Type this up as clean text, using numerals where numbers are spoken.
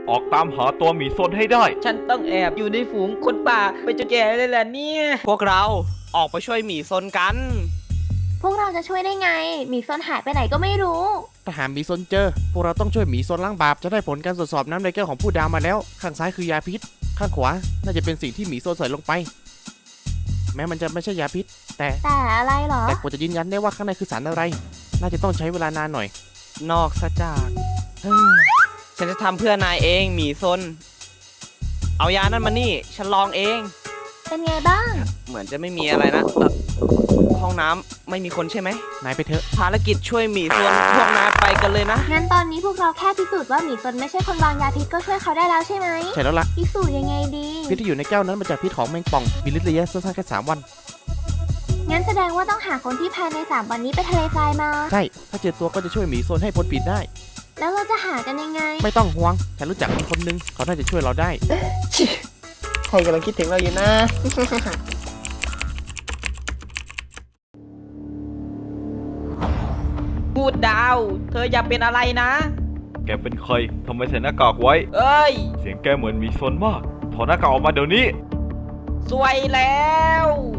ออกตามหาตัวหมีซนให้ได้ฉันต้องแอบอยู่ในฝูงคนป่าไปจนแก่เลยแหละเนี่ยพวกเราออกไปช่วยหมีซนกันพวกเราจะช่วยได้ไงหมีซนหายไปไหนก็ไม่รู้ถ้าหาหมีซนเจอพวกเราต้องช่วยหมีซนล้างบาปจะได้ผลการตรวจสอบน้ำในแก้วของผู้ดาวมาแล้วข้างซ้ายคือยาพิษข้างขวาน่าจะเป็นสิ่งที่หมีซนใส่ลงไปแม้มันจะไม่ใช่ยาพิษแต่อะไรเหรอกว่าจะยืนยันได้ว่าข้างในคือสารอะไรน่าจะต้องใช้เวลานานหน่อยนอกซะจากฉันจะทำเพื่อนายเองหมีซนเอายานั่นมานี่ฉันลองเองเป็นไงบ้างเหมือนจะไม่มีอะไรนะห้องน้ำไม่มีคนใช่ไหมนายไปเถอะภารกิจช่วยหมีซนพวกนายไปกันเลยนะงั้นตอนนี้พวกเราแค่พิสูจน์ว่าหมีซนไม่ใช่คนวางยาพิษก็ช่วยเขาได้แล้วใช่ไหมใช่แล้วล่ะพิสูจน์ยังไงดีพิษที่อยู่ในแก้วนั้นมาจากพิษของแมงป่องมีฤทธิ์ระยะสั้นๆแค่3 วันงั้นแสดงว่าต้องหาคนที่ภายใน3 วันนี้ไปทะเลทรายมาใช่ถ้าเจอตัวก็จะช่วยหมีโซนให้พ้นผิดได้แล้วเราจะหากันยังไงไม่ต้องห่วงฉันรู้จักคนนึงเขาน่าจะช่วยเราได้ใครกำลังคิดถึงเราอยู่นะพูดดาวเธออย่าเป็นอะไรนะแกเป็นใครทำไมใส่หน้ากากไว้เอ้ยเสียงแกเหมือนหมีซนมากถอดหน้ากากออกมาเดี๋ยวนี้สวยแล้ว